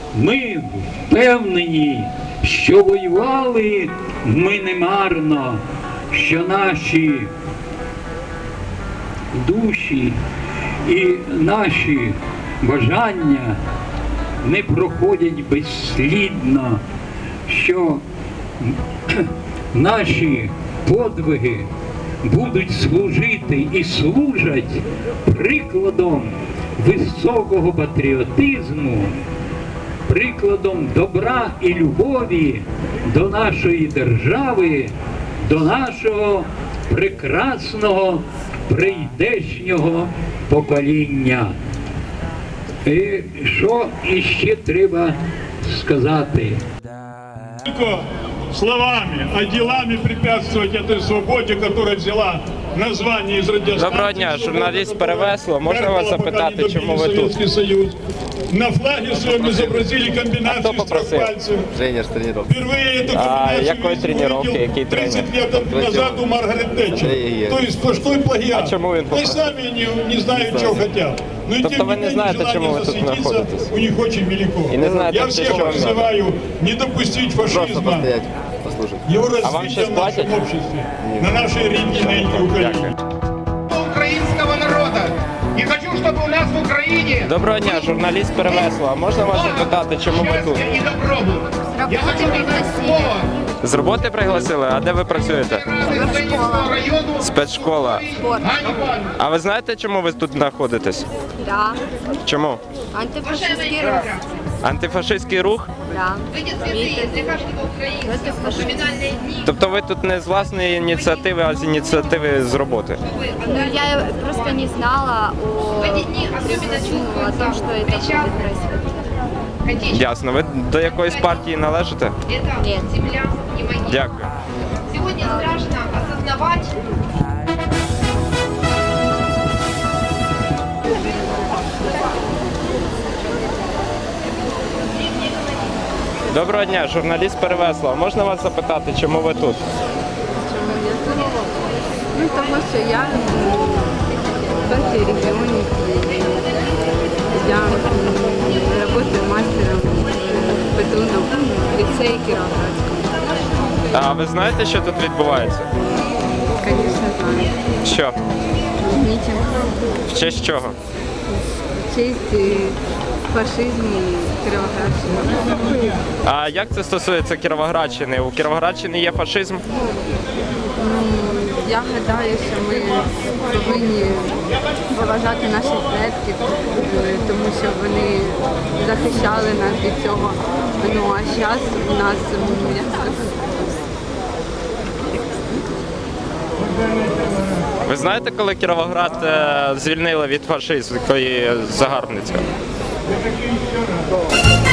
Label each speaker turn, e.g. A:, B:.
A: Ми впевнені, що воювали ми немарно, що наші душі і наші бажання не проходять безслідно, що наші подвиги будуть служити і служать прикладом високого патріотизму, прикладом добра і любові до нашої держави, до нашого прекрасного прийдешнього покоління. І що іще треба сказати?
B: Только словами, а делами препятствовать этой свободе, которая взяла название из радиостанции.
C: Доброго дня, журналіст Перевесло. Можна вас запитати, чому ви тут?
B: Союз. На флаге своем изобразили
C: А
B: комбинацию
C: хто
B: из трех
C: попросив?
B: пальцев.
D: Тренер з тренировки.
B: Впервые эту комбинацию
C: якої тренировки, який
B: 30 лет назад у Маргарет Тетчер. То есть сплошной плагиат.
C: А чому він
B: Они
C: попросив?
B: сами не знают, чего хотят. Но и
C: Тобто
B: тем
C: ви
B: не
C: не
B: менее,
C: знаєте,
B: желание
C: чому ви тут
B: засветиться
C: знаходитесь?
B: у них очень велико.
C: І не знаєте,
B: Я
C: для
B: всех
C: чого вам надо?
B: призываю не допустить
D: Просто
B: фашизма,
D: постоять, послушать.
B: его
C: А вам
B: развития
C: щось
B: в
C: платять?
B: нашем обществе, на нашей рідній ненькій Україні.
E: Украинского народа. И хочу, чтобы у нас в Украине
C: Доброго дня, журналіст Перевесло. А можна вас запитати, чому ви тут?
E: счастье и добробут. Я хочу дать слово
C: З роботи пригласили? А де ви працюєте?
E: Ленинского району
C: Спецшкола.
E: Ганнибаль.
C: А ви знаєте, чому ви тут знаходитесь?
F: Да.
C: Чому?
F: Антифашистський рух.
C: Антифашистський рух?
F: Да.
C: Тобто ви тут не з власної ініціативи, а з ініціативи з роботи?
F: Ну, я просто не знала о том, что это будет происходить.
C: Ясно. Ви до якоїсь партії належите?
F: Нет.
C: Дякую.
G: Сегодня страшно осознавать,
C: Доброго дня, журналіст Перевесло. Можна вас запитати, чому ви тут?
H: Чому я тут? Ну, тому що я в партії регіонів. Я працюю мастером в ПТУ в ліцеї Кіровоградському.
C: А ви знаєте, що тут відбувається?
H: Звісно, знаю.
C: Що?
H: Мітинг.
C: В честь чого?
H: В честь фашизму і Кіровоградщини.
C: А як це стосується Кіровоградщини? У Кіровоградщини є фашизм?
H: Я гадаю, що ми повинні поважати наших предків, тому що вони захищали нас від цього. Ну а зараз у нас як це?
C: Ви знаєте, коли Кіровоград звільнили від фашистської загарбництва?